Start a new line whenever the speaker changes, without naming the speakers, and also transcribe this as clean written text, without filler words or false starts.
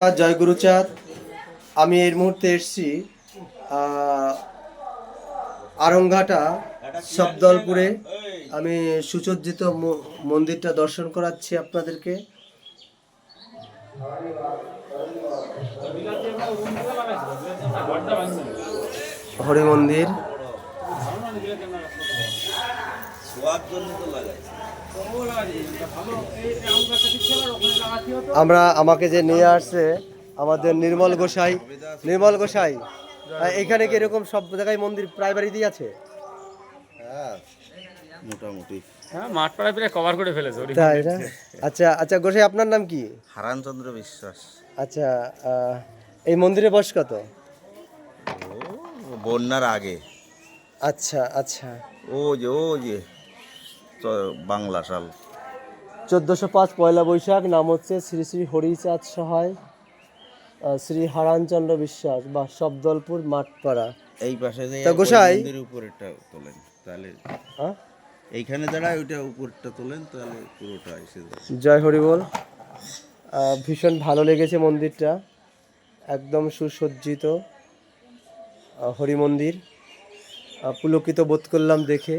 জয় গুরুচাঁদ। আমি এই মুহূর্তে এসেছি আরংঘাটা শব্দলপুরে। আমি সুসজ্জিত মন্দিরটা দর্শন করাচ্ছি আপনাদেরকে। হরি মন্দির। আমাকে যে নিয়ে আসছে আমাদের নির্মল গোসাই। এখানে কি এরকম সব জায়গায় মন্দির প্রায় বাড়িতেই আছে?
মোটামুটি
মাঠ পাড়ায় প্রায় কভার করে ফেলেছে।
তাই না? আচ্ছা আচ্ছা, গোসাই আপনার নাম কি?
হারানচন্দ্র বিশ্বাস।
আচ্ছা, এই মন্দিরের বয়স কত?
বন্যার আগে।
আচ্ছা আচ্ছা,
ও যে বাংলা সাল
1405 পয়লা বৈশাখ। নাম হচ্ছে শ্রী শ্রী হরিচাঁদ সহায় শ্রী হারানচন্দ্র বিশ্বাস বা শব্দলপুর মাঠপাড়া।
এই পাশে যে
গোসাই
মন্দিরের উপরেরটা তোলেন তাহলে, এইখানে দাঁড়ায় ওইটা উপরটা তোলেন তাহলে পুরোটা এসে যাবে।
জয় হরি বল। ভীষণ ভালো লেগেছে মন্দিরটা, একদম সুসজ্জিত হরি মন্দির। পুলকিত বোধ করলাম দেখে।